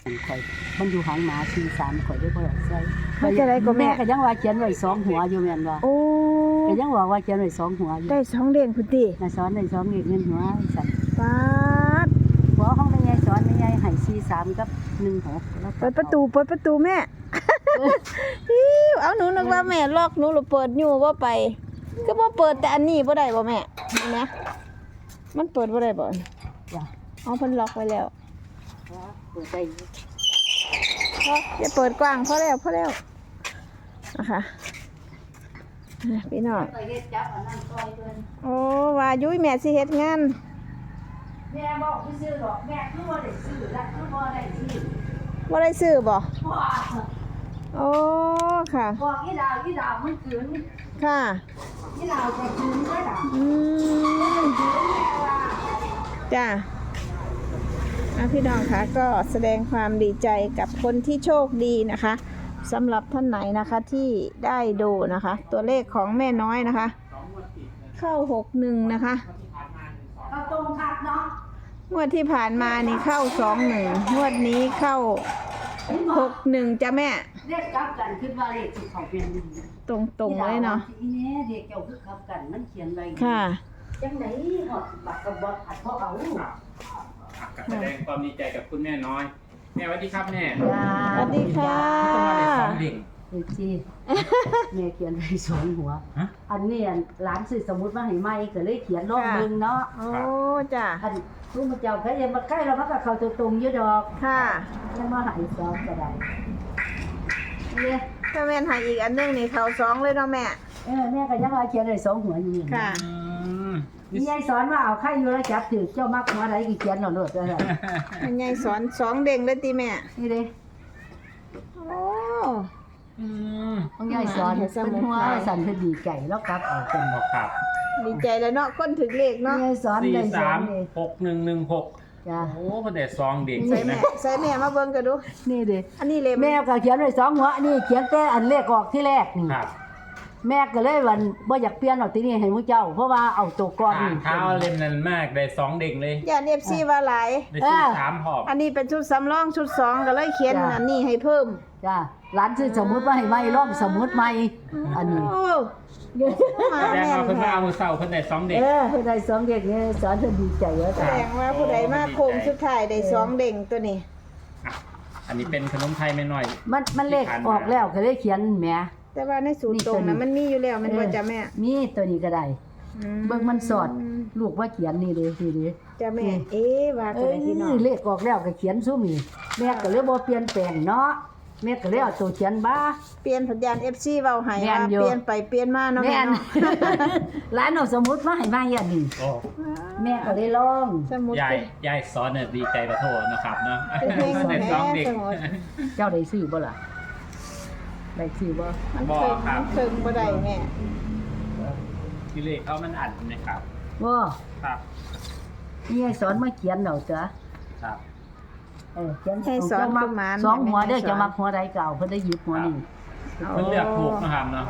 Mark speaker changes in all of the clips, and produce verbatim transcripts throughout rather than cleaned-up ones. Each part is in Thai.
Speaker 1: ข่อยมันอยู่หางหมาสี่สามข่อยได้บ่ได้ใส่
Speaker 2: เขาจะได้ก็แม่
Speaker 1: ก็ยังว่าเขียนไว้สองหัวอยู่แม่นว่า
Speaker 2: โอ้
Speaker 1: ก็ยังว่าว่าเขียนไว้สองหัวอยู่
Speaker 2: ได้สองเด้งพุ่นติ
Speaker 1: น่ะสอนได้สองเงินหัวสั่น
Speaker 2: ปาด
Speaker 1: หัวของแม่ใหญ่สอนแม่ใหญ่ให้สี่สามกับหนึ่งหกแล้ว
Speaker 2: เปิดประตูเปิดประตูแม่ ฮิวเอาหนูนึกว่าแม่ล็อกหนูหรือเปิดอยู่บ่ไปก็บ่เปิดแต่อันนี้บ่ได้บ่แม่นี่นะมันเปิดบ่ได้บ่
Speaker 1: จ้ะ
Speaker 2: เอาเพิ่นล็อกไว้แล้ว
Speaker 1: เปิดได้
Speaker 2: พออย่าเปิดกว้างพอแล้วพอแล้วนะคะอ่ะพี่น้อง
Speaker 1: ไปเฮ็ดจับอันนั้นซอยเพิ่น
Speaker 2: โอ้ว่ายุ้ยแม่สิเฮ็ดงาน
Speaker 1: แม่บอกซื้อดอกแม่คือบ่ได้ซื้อและคือบ่ได้ซื้อ
Speaker 2: บ่ได้ซื้อบ่
Speaker 1: บ่
Speaker 2: โอ้ค่ะ
Speaker 1: บอกอีดาวอีดาวมันขืน
Speaker 2: ค่ะ
Speaker 1: อีดาวจะขืนได้ดอก
Speaker 2: อืมจ้าอ่ะพี่น้องคะก็แสดงความดีใจกับคนที่โชคดีนะคะสำหรับท่านไหนนะคะที่ได้ดูนะคะ ตัวเลขของแม่น้อยนะคะ เข้าหกหนึ่งนะคะ
Speaker 1: เอาตรงคักเนาะ
Speaker 2: งวดที่ผ่านมานี่เข้าสองหนึ่งงวดนี้เข้าหกหนึ่งจ้ะแม่
Speaker 1: เรียกกลับกันคิดว่าเลขสิเขาเป็นดี
Speaker 2: ตรงๆเลยเนาะ
Speaker 1: อีแน่เด็กเจ้าคือกลับกันมันเขียนไว้
Speaker 2: ค่ะ
Speaker 1: จังได๋ฮอดบักกับบ่อัดบ่เอา
Speaker 3: ครับอ่ะแสดงความดีใจกับคุณแม่น้อย แม่สวัสดีครับแม่
Speaker 1: จ้า
Speaker 2: สวัสดีค่ะ
Speaker 3: ต้องมาได้สองเด็ก
Speaker 1: เอ้ยจีแม่เขียนไว้สองหัว
Speaker 3: ฮะ
Speaker 1: อันนี้อันหลานซื้อสมุดมาให้ใหม่ก็เลยเขียนลงเบิ่งเนาะ
Speaker 2: โอ้จ้ะ
Speaker 1: อันลูกมาเจ้าก็ยังมาใกล้แล้วมันก็เข้าตรงๆอยู่ดอก
Speaker 2: ค่ะ
Speaker 1: ยังมาให้ซอกก็ได้เนี่ย
Speaker 2: ถ้าแม่นใหายอีกอันหนึงนี่เขาสองเลยเนาะแม่
Speaker 1: เออแม่ก็ยังว่าเขียนได้สองหัวอยู่นี่
Speaker 2: ค่ะ
Speaker 3: อืม
Speaker 1: มียายสอนว่าเอาไข่อยู่แล้วจับถือเจ้ามักหัวใดก็เขียนเอาโลดว่าซั่น
Speaker 2: มันยายสอนสองเด้งเลยติแม่
Speaker 1: นี่เด้
Speaker 2: โอ้
Speaker 3: อืม
Speaker 1: ของยายสอนเพิ่นหัวสั่นเพิ่นดีใจแล้วกลับเอาเพิ่น
Speaker 3: บ
Speaker 1: บอก
Speaker 3: อกครับ
Speaker 2: ดีใจแล้วเนาะคนถึงเลขเนาะ
Speaker 1: ยายสอน
Speaker 3: สี่
Speaker 1: ได้สอ
Speaker 3: สาน ม
Speaker 1: นี่
Speaker 3: หกหนึ่งหนึ่งหก
Speaker 1: จ้า
Speaker 3: โอ้พอแต่ซองเด็ก
Speaker 2: ใส่
Speaker 3: เลย
Speaker 2: แม่
Speaker 3: นะ
Speaker 2: ใส่แม่มาเบิ่งกันดู
Speaker 1: นี่เด้
Speaker 2: อันนี้เลย
Speaker 1: แม่ก็เขียนไว้สองหัวนี่เขียนแต่อันเลขออกที่แรกนี่
Speaker 3: ครับ
Speaker 1: แม่ก็เลยวันบ่อยากเปลี่ยนเอาที่นี่ให้มื้อเจ้า เพราะว่าเอาตัวก่อน
Speaker 3: อ่า
Speaker 1: นี่
Speaker 3: เท้าเล่นนั่นมากได้สองเด็กเลย
Speaker 2: อย่าเอฟซีว่าหลาย
Speaker 3: ได้สี่สามหอบ
Speaker 2: อันนี้เป็นชุดสำรองชุดสองก็เลยเขียน
Speaker 1: จ้ะ
Speaker 2: อันนี้ให้เพิ่ม
Speaker 1: จ้าหลานซื้อสมุดมาให้ใหม่รอบสมุดใหม่อันนี้
Speaker 2: โอ้มา
Speaker 3: แสดง
Speaker 2: แม่น
Speaker 3: ว่าเพิ่นมา
Speaker 2: ค่ะ
Speaker 3: เอามือเสาเพิ่นได้สองเด็ก
Speaker 1: เออเพิ่นได้สองเด็กนี่สอนเพิ่นดีใจแล้ว
Speaker 2: แส
Speaker 1: จ้ะ
Speaker 2: ดงว่าผู้ใดมาโค้งสุดท้ายได้สองเด้งตัวนี้
Speaker 3: อ่ะอันนี้เป็นขนมไทยแม่น้อย
Speaker 1: มันมันเลขออกแล้วก็เลยเขียนแหม
Speaker 2: แต่ว่าในสูตรตรงนะมันมีอยู่แล้วมันว่าจะแม่
Speaker 1: มีตัวนี้ก็ได้
Speaker 2: อื
Speaker 1: เบิ่งมันสอดลูกว่าเขียนนี่เด้นี่เด้
Speaker 2: จะแม่ เอ๊ะว่า
Speaker 1: เอ
Speaker 2: ตัว
Speaker 1: อ
Speaker 2: ไหนพี่น้อง
Speaker 1: เลขออกแล้วก็เขียนซุ่มนี่แม่ก็เลยบ่เปลี่ยนแปลงเนาะแม่ก็เลยเอาตัวเขียนบ้า
Speaker 2: เปลี่ยนสัญญาณ เอฟ ซี เว้าให้
Speaker 1: แม่
Speaker 2: ว่าน
Speaker 1: อยู่
Speaker 2: เปลี่ยนไปเปลี่ยนมาเนาะ
Speaker 1: แม่
Speaker 2: แม่
Speaker 1: น
Speaker 2: เนาะ
Speaker 1: หลานเอาสมุดมาให้มาอย่างนี้
Speaker 3: โอ้
Speaker 1: แม่ก็เลยลอง
Speaker 2: สมุด
Speaker 3: ยายยายสอนเนี่ยดีใจประโทษนะครับเนาะ
Speaker 2: เป็นเพลง
Speaker 3: ได้สองเด็ก
Speaker 2: สมุด
Speaker 1: เจ้าได้ซื้อบ่ล่ะได้ซื้อบ่
Speaker 2: มัน
Speaker 3: บ่
Speaker 2: เคิง
Speaker 3: ครับ
Speaker 2: มันเคิงบ่ได้แม่
Speaker 3: ที่เลขเขามันอัดนะครับ
Speaker 1: บ่
Speaker 3: ครับ
Speaker 1: นี่ให้สอนมาเขียนเอาจ้ะ
Speaker 3: ครับ
Speaker 1: เออเขียน
Speaker 2: ให้สอน
Speaker 1: เจ้ามั
Speaker 2: ประมาณ
Speaker 1: สองหัวเด้อ
Speaker 2: ให้สอน
Speaker 1: จะมักหัวใดเก่าเพิ่นได้หยิบหัวนี่
Speaker 3: เพิ่นเลือกถูกนะครับเนาะ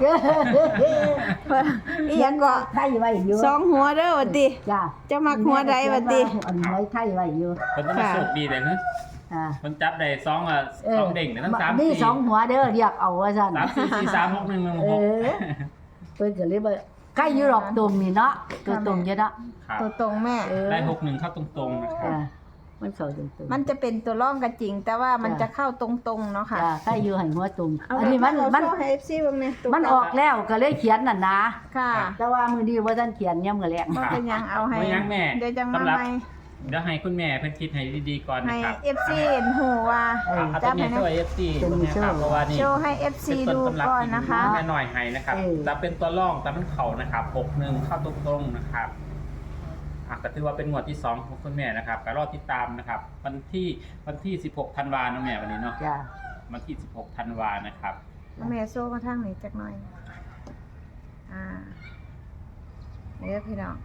Speaker 2: อีหยังก็
Speaker 1: ไทยไว้อยู่
Speaker 2: สองหัวเด้อว่าติ
Speaker 1: จ้า
Speaker 2: จะมักหัวใดวะติ
Speaker 1: อันไว้ไทยไว้อยู่
Speaker 3: เพิ่นต้องมาโชคดีเลยนะ
Speaker 1: อ่า
Speaker 3: เพิ่นจับได้สองอ่ะสองเด้งเนี่ยทั้งสาม
Speaker 1: นี่
Speaker 3: สี่
Speaker 1: สองหัวเด้อเรียกเอาว่าซั่น
Speaker 3: สามสี่สี่สามหกหนึ่งหนึ่ง
Speaker 1: เอ
Speaker 3: หก
Speaker 1: อเพิ่นก็เลยว่าใกล้อยู่หรอกตรงนี่เนาะตัวตรงอยู่เนาะ
Speaker 3: ครับ
Speaker 2: ตัวตรงแม่
Speaker 1: เออ
Speaker 3: ได้หกหนึ่งเข้าตรงๆนะครับ
Speaker 1: จ้ามันเข้าตรงๆ
Speaker 2: มันจะเป็นตัวร่องก็จริง แต่ว่ามันจะเข้าตรงๆเนาะค่ะ
Speaker 1: จ้าใกล้อยู่ให้หัวตรง
Speaker 2: เอา
Speaker 1: อันนี้มัน
Speaker 2: เอา
Speaker 1: มัน
Speaker 2: โชว์ให้ เอฟ ซี เบิ่งแน่ตัว
Speaker 1: มันออกแล้วก็เลยเขียนน่ะนะ
Speaker 2: ค่ะ
Speaker 1: แต่ว่ามื้อนี้บ่ทันเขียนยามมื้อแลง
Speaker 2: บ่เป็นหยังเอาให้
Speaker 3: ไม่ยั้งแม่
Speaker 2: เดี๋ยวจังมา
Speaker 3: สำหรับ
Speaker 2: ใหม่
Speaker 3: เดี๋ยวให้คุณแม่เพิ่นคิดให้ดีๆก่อน
Speaker 2: ให้
Speaker 3: นะครับ
Speaker 2: เอฟ ซี เห็นหูว่า
Speaker 1: เออ
Speaker 3: เอา
Speaker 2: จั
Speaker 3: ตัว
Speaker 2: บ
Speaker 3: นี้
Speaker 2: ให้นะ
Speaker 3: ช่วย เอฟ ซี
Speaker 1: ตัวนี้
Speaker 3: นะครับ
Speaker 1: ช่วย
Speaker 3: เพราะว่านี่
Speaker 2: โชว์ให้ เอฟ ซี
Speaker 3: เป็น
Speaker 2: ดู
Speaker 3: ต้นตำรับ
Speaker 2: ก่อน
Speaker 3: ที่
Speaker 2: นะคะ
Speaker 3: แม่หน่อยให้นะครับ
Speaker 1: เออ
Speaker 3: จะเป็นตัวร่องแต่มันเข่านะครับหกหนึ่งเข้าตรงๆนะครับอ่ะก็ถือว่าเป็นงวดที่สองของคุณแม่นะครับก็รอติดตามนะครับ วันที่วันที่สิบหกธันวาคมนะแม่วันนี้เนาะ
Speaker 1: จ้า
Speaker 3: วันที่สิบหกธันวานะครับ
Speaker 2: แม่โซ่มาทางนี้จักหน่อย อ่าเดี๋ยวพี่น้อง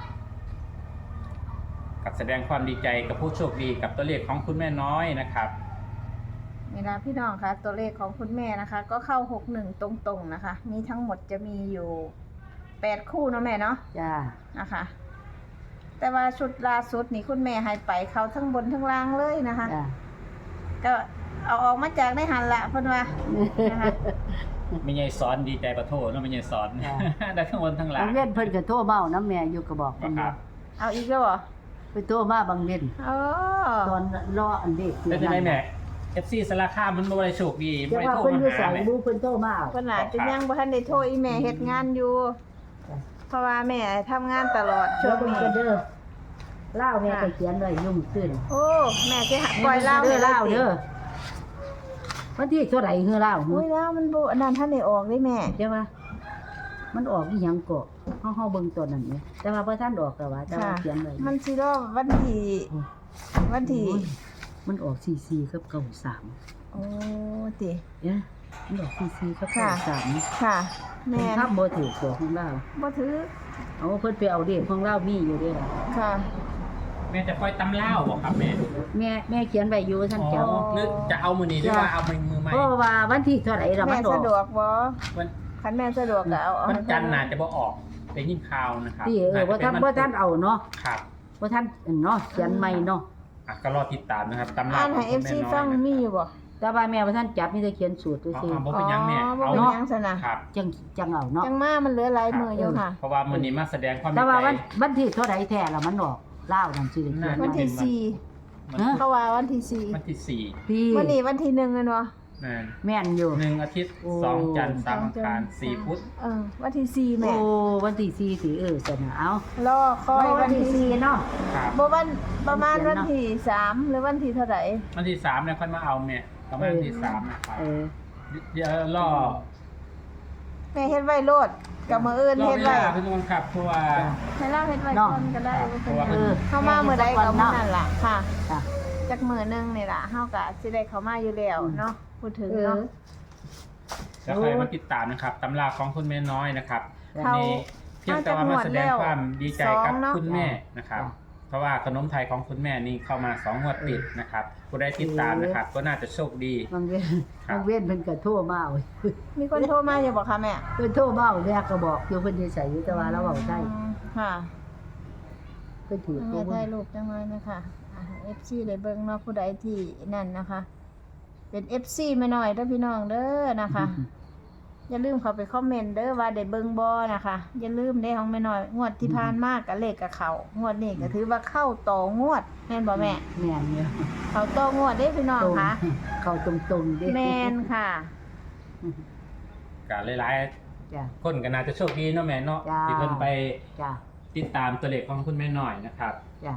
Speaker 3: กับแสดงความดีใจกับผู้โชคดีกับตัวเลขของคุณแม่น้อยนะครับ
Speaker 2: นี่นะพี่น้องคะตัวเลขของคุณแม่นะคะ ก็เข้าหกหนึ่งตรงๆนะคะ มีทั้งหมดจะมีอยู่แปดคู่เนาะแม่เนาะ
Speaker 1: จ้า
Speaker 2: นะคะ แต่ว่าชุดล่าสุดนี่คุณแม่ให้ไปเขาทั้งบนทั้งล่างเลยนะคะ
Speaker 1: จ้า
Speaker 2: ก็เอาออกมาจากในหันละเพิ่นว่านะคะ
Speaker 3: ไม่ใช่สอนดีใจประโทษเนาะไม่ใช่สอน
Speaker 1: ค่ะ
Speaker 3: ได้ทั้งบนทั้งหลั
Speaker 1: บาง งเว้นเพิ่นก็โทรมาเอาน้ำแม่อยู่ก็บอก
Speaker 3: ค
Speaker 1: เพิ่น
Speaker 3: รั
Speaker 1: ว่า
Speaker 3: บ
Speaker 2: เอาอีกแล้วเหรอ
Speaker 1: ไปโทรมาบางเว้น
Speaker 2: โอ้
Speaker 1: ตอนรออันเด็ก
Speaker 3: แล้วจะได้แม่ เอฟ ซี สารคามมันบ่ได้โชคดี
Speaker 1: จะ
Speaker 3: บ่ได้
Speaker 1: ว่า
Speaker 3: โทร
Speaker 1: เพิ่น
Speaker 3: มา
Speaker 1: อยู่
Speaker 3: หา
Speaker 1: ใส่
Speaker 3: แม่
Speaker 1: รู้เพิ่นโทรมาเอา
Speaker 2: เพิ่นอาจจะยังบ่ทันได้โทรอีแม่เฮ็ดงานอยู่ เพราะว่าแม่ทำงานตลอดช่
Speaker 1: แล้ว ว
Speaker 2: ง
Speaker 1: เพิ่น
Speaker 2: นี้
Speaker 1: ก็เด้อเล่าแม่ก็เขียนไว้ยุ่งขึ้น
Speaker 2: โอ้แม่สิหาปล่อยเล่า
Speaker 1: เด้อ
Speaker 2: ให้
Speaker 1: เล่า
Speaker 2: ติ
Speaker 1: เด้อวันที่เท่าไหร่คือเล่า
Speaker 2: อุ้ยแล้วมันบ่อันนั้นท่านได้ออกได้แม่
Speaker 1: ใช่ป่ะมันออกอีหยังก็เฮาเฮาเบิ่งตัวนั้นนี่แต่ว่าบ่ทันออกก็ว่าแต่ว่า
Speaker 2: ค่ะ
Speaker 1: เขียนไว้
Speaker 2: มันสิรอวันที่วันที่
Speaker 1: โอ้ยมันออกสี่สิบกับเก้าสาม
Speaker 2: โอ้ติ
Speaker 1: เอ๊ะมันออกสี่สิบกับ
Speaker 2: ค่ะ
Speaker 1: เก้าสาม
Speaker 2: ค่ะ แม่
Speaker 1: แม่ทับบ่ถูกตัวของเรา
Speaker 2: บ่ถือ
Speaker 1: เอาเพิ่นไปเอาเด็กของเรามีอยู่เด้อล่ะ
Speaker 2: ค่ะ
Speaker 3: แม่จะปล่อยตำเล่าบ่ครับแม่
Speaker 1: แม่แม่เขียนไว้อยู่ท่านเจ้า
Speaker 3: อ๋อหรือจะเอามือนี้หรือว่าเอามือมือใหม่
Speaker 1: เพราะว่าวันที่เท่าไหร่ละ
Speaker 2: แม่
Speaker 1: มันออ
Speaker 2: สะดว
Speaker 1: ก
Speaker 2: กบ่
Speaker 3: วัน
Speaker 2: คันแม่สะดวกก็เอาเอา
Speaker 3: วัน
Speaker 2: ให้
Speaker 3: จันทร์
Speaker 2: เพิ่
Speaker 3: น่าจะบ่ออกได้ยินข่าวนะครับ
Speaker 1: ที่เออว่าท่านว่าท่านเอาเนาะ
Speaker 3: ครับ
Speaker 1: ว่าท่านเนาะเขียนใหม่เนาะ
Speaker 3: อ่ะก็รอติดตามนะครับตำรา
Speaker 2: อ่านให้
Speaker 3: ข
Speaker 2: เอ
Speaker 3: อง
Speaker 2: ฟ
Speaker 3: คุณ
Speaker 2: ซี
Speaker 3: แม่น้อย
Speaker 2: ฟัง
Speaker 3: นะ
Speaker 2: มีอยู่บ่
Speaker 1: แต่ว่าแม่ว่าท่านจับมีแต่เขียนสูตร
Speaker 3: อ๋อ
Speaker 1: ซื่อ
Speaker 3: อ๋อบ่เป็นหยังแม่
Speaker 2: อ๋อบ่
Speaker 3: เอา
Speaker 2: เป็น
Speaker 3: เนาะ
Speaker 2: หยังซะนะครับ
Speaker 1: จังจังเอาเนาะ
Speaker 2: จังมามันเหลือหลายมืออยู่ค่ะ
Speaker 3: เพราะว่ามื้อนี้มาแสดงความ
Speaker 1: แต่
Speaker 3: ดี
Speaker 1: ว่า
Speaker 3: ใจ
Speaker 1: วันวันที่เท่าไหร่แท้ละมันออกเล่าวนั่นสิเขียน
Speaker 2: วันที่สี่
Speaker 3: มัน
Speaker 1: ฮะ
Speaker 2: เขาว่าวันที่สี่
Speaker 3: วันที่สี่
Speaker 1: พี่
Speaker 2: วันนี้วันที่หนึ่งแม่นบ่
Speaker 3: นั่น
Speaker 1: แม่นอยู่
Speaker 3: หนึ่งอาทิตย์
Speaker 1: โอ้
Speaker 3: สองจันทร์สามอังคาร
Speaker 2: สองจันทร์
Speaker 3: สี่พุธ
Speaker 2: เออวันที่สี่แม่
Speaker 1: โอ้วันที่สี่สิเออสนะเอา
Speaker 2: รอคอย
Speaker 1: วั
Speaker 2: วัน น
Speaker 1: ที่
Speaker 2: ที่
Speaker 1: สี่เนาะ
Speaker 3: ครับ
Speaker 2: บ่วันประมาณวันที่สามหรือวันที่เท่าไหร่
Speaker 3: วันที่สามเนี่ยค่อยมาเอาเนี่ยประมาณวันที่สามนะครับ
Speaker 1: เออ
Speaker 3: เดี๋ยวรอ
Speaker 2: แม่เฮ็ดไว้โลดกับมื้ออื่น
Speaker 3: รอ
Speaker 2: เฮ็ด
Speaker 3: เว
Speaker 2: ไว้
Speaker 3: ลาพี่น้องครับเพราะว่า
Speaker 2: ให้เราเฮ็ดไว้ก่อนก็ได้
Speaker 3: เพราะว่า
Speaker 1: เออ
Speaker 2: เข้ามามื้อใดก็มื้อนั้นล่ะค่ะ
Speaker 1: จ้ะ
Speaker 2: จักมื้อหนึงนี่ล่ะเฮาก็สิได้เข้ามาอยู่แล้วเนาะพูดถึง
Speaker 1: เออ
Speaker 2: เนาะ
Speaker 3: แล้วใครมาติดตามนะครับตำราของคุณแม่น้อยนะครับวัน
Speaker 2: เขา
Speaker 3: นี้เพียงแต่ว่ามาแสดงความดีใจกับ
Speaker 2: สองเนอะ
Speaker 3: คุณแม่นะครับ
Speaker 1: จ้ะ
Speaker 3: เพราะว่าขนมไทยของคุณแม่นี่เข้ามาสองงวดติดนะครับผู้ได้ติดตามนะครับ ก็น่าจะโชคดี
Speaker 1: บางเว้น
Speaker 3: ครับ
Speaker 1: บางเว้นเพิ่นก็โทรมาเอา
Speaker 2: มีคนโทรมาอยู่บ่คะแม่
Speaker 1: เพิ่นโทรมาเอาแม่ก็บอกอยู่เพิ่นสิใส่อยู่แต่ว่าเราเว้าได้
Speaker 2: อืมค่ะ
Speaker 1: เพิ่นถือ
Speaker 2: แม่
Speaker 1: ตัว
Speaker 2: ถ่ายรูปจังเลยนะคะอ่า เอฟ ซี ได้เบิ่งเนาะผู้ใดที่นั่นนะคะ เป็น เอฟ ซี แม่น้อยเด้อพี่น้องเด้อนะคะ อย่าลืมเข้าไปคอมเมนต์เด้อว่าได้เบิ่งบ่นะคะ อย่าลืมเด้ของแม่น้อยงวดที่ผ่านมาก็เลขกับเขางวดนี้ก็ถือว่าเข้าต่องวดแม่นบ่แม่
Speaker 1: แม่นอยู่
Speaker 2: เข้าต่องวดเด้พี่น้อง
Speaker 1: ตรง
Speaker 2: ค่ะ
Speaker 1: เข้าตรงๆเด้
Speaker 2: แม่นค่ะ
Speaker 3: กาหลาย
Speaker 1: จ้ะ
Speaker 3: ๆคนก็น่าจะโชคดีเนาะแม่เนาะ
Speaker 1: จ้า
Speaker 3: ที่เพิ่นไป
Speaker 1: จ้ะ
Speaker 3: ติดตามตัวเลขของคุณแม่น้อยนะครับ
Speaker 1: จ้ะ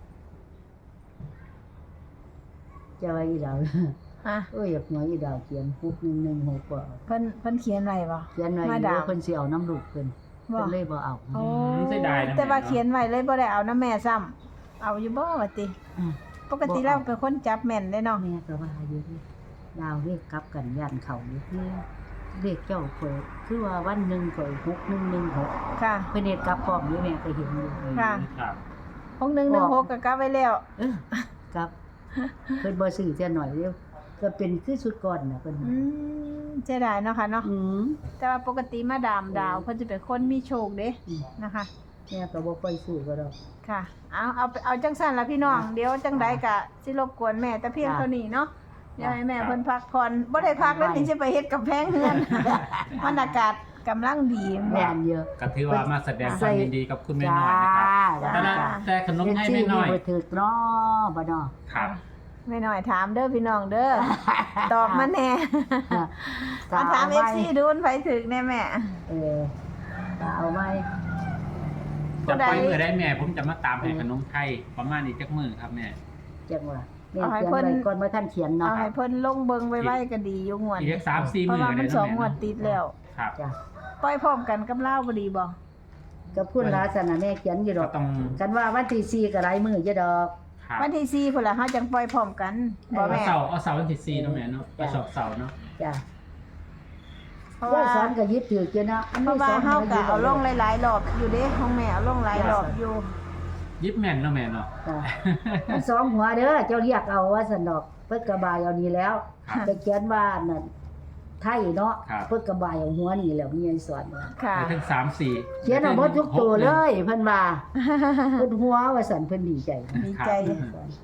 Speaker 1: จะว่าอีดาว
Speaker 2: ฮะ
Speaker 1: เอ้ยอยากหัวอีดาวเขียนหกหนึ่งหนึ่งหกบ่
Speaker 2: เพิ่นเพิ่นเขียนไว้บ่
Speaker 1: เขียนไว้
Speaker 2: มา
Speaker 1: เดี๋
Speaker 2: ดา
Speaker 1: ยว
Speaker 2: ว
Speaker 1: เพิ่นสิเอาน้ำลูกเพิ่น
Speaker 2: บ่
Speaker 1: เพิ่นเลยบ่เอา
Speaker 2: โอ้
Speaker 3: อืมเสียดายนะ
Speaker 2: แต่ว่า
Speaker 3: แม่เนาะ
Speaker 2: เขียนไว้เลยบ่ได้เอาน้ำแม่ซ้ำเอาอยู่บ่ว่าติ
Speaker 1: อืม
Speaker 2: ปกติเราเป็นคนจับแม่นได้เนาะ
Speaker 1: แม่ก็ว่าอยู่นี่ดาวเรียกกลับกันย่านเขาอยู่ที่เรียกเจ้าเพิ่นคือว่าวันหนึงข่อยหกหนึ่งหนึ่งหก
Speaker 2: ค่ะ
Speaker 1: เพิ่นเฮ็ดกลับพร้อมอยู่แม่ก็เห็นอยู่
Speaker 2: ค่ะ
Speaker 3: ครับ
Speaker 2: หกหนึ่งหนึ่งหกก็กลับไว้แล้ว
Speaker 1: เออครับเพิ่นบ่ซื้อเสียหน่อยเดียวก็เป็นคือสุดก่อนน่ะเพิ่น
Speaker 2: อืมเสียดายเนาะค่ะเนาะ
Speaker 1: อืม
Speaker 2: แต่ว่าปกติมาดามดาวเพิ่นจะเป็นคนมีโชคเด้
Speaker 1: อืม
Speaker 2: นะคะ
Speaker 1: แม่ก็บ่ค่อยซื้อก็ดอก
Speaker 2: ค่ะ เอาเอาเอาจังซั่นล่ะพี่น้อง เดี๋ยวจังใดก็สิรบกวนแม่แต่เพียงเท่านี้เนาะเดี๋ยวให้แม่เพิ่นพักผ่อนบ่ได้พักแล้วนี่สิไปเฮ็ดกับแพงเฮือน บรรยากาศกำลังดี
Speaker 1: แม่นเยอะ
Speaker 3: ก็ถือว่ามาแสดงความยินดีกับคุณแม่น้อยนะครับ
Speaker 1: จ้า
Speaker 3: แต่ละแต่ขนมไทยแม่น้อย
Speaker 1: เฮ็ดซื้บ่ถูกเนาะบ่เนาะ
Speaker 3: ครับ
Speaker 2: แม่น้อยถามเด้อพี่น้องเด้อ ตอบมาแน่มาถาม เอฟ ซี ดูมันไปถึงแน่แม่
Speaker 1: เออเอาไว้
Speaker 3: จะปล่อยมือได้แม่ ผมจะมาตามให้ขนมไทยประมาณนี้จักมือครับแม่
Speaker 1: จังว่าแม่
Speaker 2: เอาให้
Speaker 1: เขียน
Speaker 2: เพิ่น
Speaker 1: ไว้ก่อนว่าท่านเขียน
Speaker 2: เอา
Speaker 1: เนาะ
Speaker 2: ให้เพิ่นลงเบิงไว้ไว้ก็ดีอยู่งวด
Speaker 3: อีกสามสี่
Speaker 2: เพ
Speaker 3: มื
Speaker 2: ราะ
Speaker 3: อ
Speaker 2: ว่า
Speaker 3: เล
Speaker 2: มั
Speaker 3: ย
Speaker 2: น
Speaker 3: เนาะ
Speaker 2: สอง
Speaker 3: แม่
Speaker 2: งวด
Speaker 3: เนาะ
Speaker 2: ติดแล้ว
Speaker 3: ครับ
Speaker 1: จ้ะ
Speaker 2: ปล่อยพร้อมกันกับเล่าวบ่ดีบ่
Speaker 1: ก็พูดลาสนะแม่เขียนอยู่ด
Speaker 3: ก็
Speaker 1: อก
Speaker 3: ต้อง
Speaker 1: กันว่าวันที่สี่ก็หลายมื้ออยู่ดอก
Speaker 3: ครับ
Speaker 2: วันที่สี่พุ่นล่ะเฮาจังปล่อยพร้อมกันบ่
Speaker 3: เอา
Speaker 2: แม่
Speaker 3: เสาร์เอาเสาร์วันที่สี่เนาะแม่เนาะเอาเสาร์เสาร์เนาะ
Speaker 1: จ้ะ
Speaker 2: เพราะ
Speaker 1: ว่า
Speaker 2: ว่า
Speaker 1: สอนก็ยึดถืออยู่เนาะ
Speaker 2: เพราะว่าเฮาก็เอาลงหลายๆรอบอยู่เด้ของแม่เอาลงหลายรอบอยู่
Speaker 3: ยิบแม่นเนาะแม่เนาะ
Speaker 1: จ้ะมันสองหัวเด้อเจ้าเรียกเอาว่าสนอกเพิ่นกระบายเอานี่แล้ว
Speaker 3: ครับ
Speaker 1: ไปเขียนว่านั่นไทยเนาะ
Speaker 3: ครับ
Speaker 1: เพิ่นกระบายเอาหัวนี่แล้วมีให้สอนว่า
Speaker 2: ค่ะ
Speaker 3: ไปถึงสามสี่
Speaker 1: เขียนเอาหมดทุกตัวเลยเพิ่นว่าเพิ่นหัวว่าสันเพิ่นดีใจ
Speaker 2: ดีใจ
Speaker 3: ครับ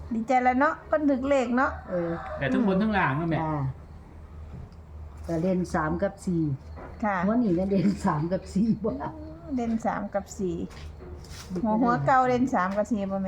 Speaker 2: ดีใจแล้วเนาะคนถึกเลขเนาะ
Speaker 1: เออ
Speaker 3: แต่ทั้งบนทั้งล่างเนาะแม่
Speaker 1: จ้าแต่เล่นสามกับสี่
Speaker 2: ค่ะ
Speaker 1: วันนี้นะเล่นสามกับสี่บ่ล่ะ
Speaker 2: เด่นสามกับสี่หัวหัวเก่าเด่นสามกับสี่ป่ะแม่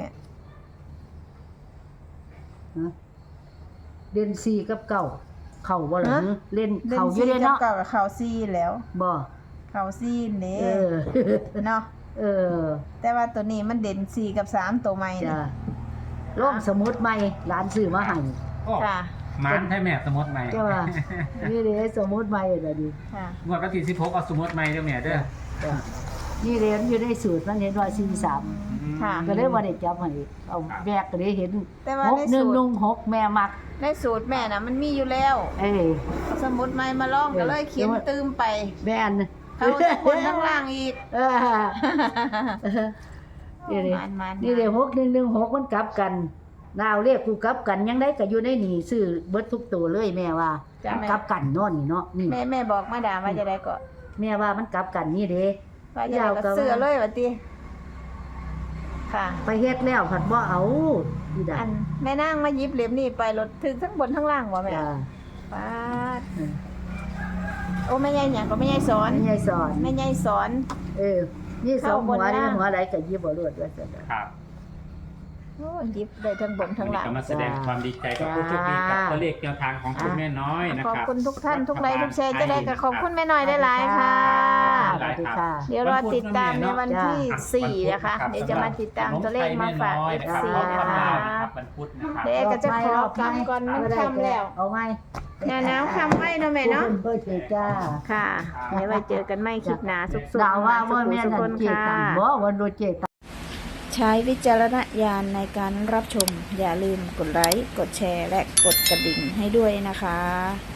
Speaker 1: ฮะเล่นสี่กับเก้าเข่าบ่ล่ะ
Speaker 2: ฮะ
Speaker 1: ฮะเล่น
Speaker 2: เด่น
Speaker 1: เข่าอยู่
Speaker 2: สี่
Speaker 1: เด้
Speaker 2: กับ
Speaker 1: เนาะ
Speaker 2: เก่ากับเข่าสี่แล้ว
Speaker 1: บ่
Speaker 2: เข่าสี่เด้
Speaker 1: เออ
Speaker 2: เนาะ
Speaker 1: เออ
Speaker 2: แต่ว่าตัวนี้มันเด่นสี่กับสามตัวใหม่
Speaker 1: จ้า
Speaker 2: นี่
Speaker 1: ล่มสมุดใหม่ร้านซื้อมาให้
Speaker 3: โอ้
Speaker 2: ค่ะ
Speaker 3: มันให้แม่สมมติใหม่
Speaker 1: จ้านี่เด้สมุดใหม่ล่ะดิ
Speaker 2: ค่ะ
Speaker 3: งวดวันที่สิบหกเอาสมมติใหม่เด้อแม่เด้อ
Speaker 1: จ้านี่เรียนอยู่ในสูตรมันเห็นว่าสี่สาม
Speaker 2: ค่ะ
Speaker 1: ก็เลยว่าได้จับให้เอาแบกก็ได้เห็น
Speaker 2: แต่ว่า
Speaker 1: หก
Speaker 2: ใน
Speaker 1: หนึ่ง
Speaker 2: สูตร
Speaker 1: นุ่งหกแม่มัก
Speaker 2: ในสูตรแม่น่ะมันมีอยู่แล้ว
Speaker 1: เอ้ย
Speaker 2: สมุดใหม่มาลองก็เลยเขียนตืมไป
Speaker 1: แม่น
Speaker 2: เขาทั้งบนทั้งล่างอีก
Speaker 1: เออนี่เลย
Speaker 2: มันมัน
Speaker 1: นี่เลยหกหนึ่งหนึ่งหกมันกลับกันนาวเรียกกูกลับกันยังได้ก็อยู่ในนี่ซื้อเบิดทุกตัวเลยแม่ว่า
Speaker 2: จ้ะแม่
Speaker 1: กลับกันเนาะนี่เนาะนี่
Speaker 2: แม่แม่บอกมาดามว่าจะได้ก็
Speaker 1: แม่ว่ามันกลับกันนี่เด้
Speaker 2: ว่าจะได้ก็เสื้อเลยว่าติค่ะ
Speaker 1: ไปเฮ็ดแล้วผัดบ่เอาอีดา
Speaker 2: อันแม่นางมาหยิบเหลี่ยมนี่ไปรถถึงทั้งบนทั้งล่างบ่แม่
Speaker 1: จ้า
Speaker 2: ป้าดโอ้แม่ใหญ่หยังก็แม่ใหญ่สอน
Speaker 1: ไม่ใช่สอน
Speaker 2: แม่ใหญ่สอน
Speaker 1: เออนี่สองหัว
Speaker 2: เข้าบน
Speaker 1: นี่
Speaker 2: ล่าง
Speaker 1: หัวอะไรก็ยิบบ่รวดว่าซั่นน่ะ
Speaker 3: ครับ
Speaker 2: โอ้หยิบได้ทั้งบนทั้งล่าง
Speaker 3: ก็มาแสดงความดีใจกับผู้โชคดีกับตัวเลขแนวทางของคุณแม่น้อยนะ
Speaker 2: ขอบ
Speaker 3: ครับ
Speaker 2: คุณทุกท่านทุกไลค์ทุกแชร์จะได้กับขอบคุณแม่น้อยได้หลายๆค่ะ
Speaker 1: สวัสดีค่ะ
Speaker 2: เดี๋ยวรอติดตามในวันที่
Speaker 3: จ้า
Speaker 2: สี่นะคะ เดี๋ยวจะมาติดตามตัวเลขมาฝาก
Speaker 3: ขนม
Speaker 2: เอ
Speaker 3: ไท
Speaker 2: ฟ
Speaker 3: ยแม่
Speaker 2: ซี
Speaker 3: น้อย
Speaker 2: นะ
Speaker 3: นะครับ
Speaker 2: คะ
Speaker 3: วันพุธนะครับ
Speaker 2: เดี๋ยวก็จะขอกำก่อนมันค่ำแล้ว
Speaker 1: เอาไหม
Speaker 2: หน้าหนาวค่ำไว้เนาะแม่เนาะ
Speaker 1: เพิ่นเพิ่นจ้า
Speaker 2: ค่ะ เดี๋ยวไว้เจอกันไม่คลิปหนาสุขๆ
Speaker 1: ดาวว่า
Speaker 2: สุ
Speaker 1: ว่า
Speaker 2: ข
Speaker 1: แม่
Speaker 2: สุข
Speaker 1: นั่
Speaker 2: คน น
Speaker 1: เจ
Speaker 2: ค่ะ
Speaker 1: ตังบ่วันโดเจตัง
Speaker 2: ใช้วิจารณญาณในการรับชม อย่าลืมกดไลค์ กดแชร์ และกดกระดิ่งให้ด้วยนะคะ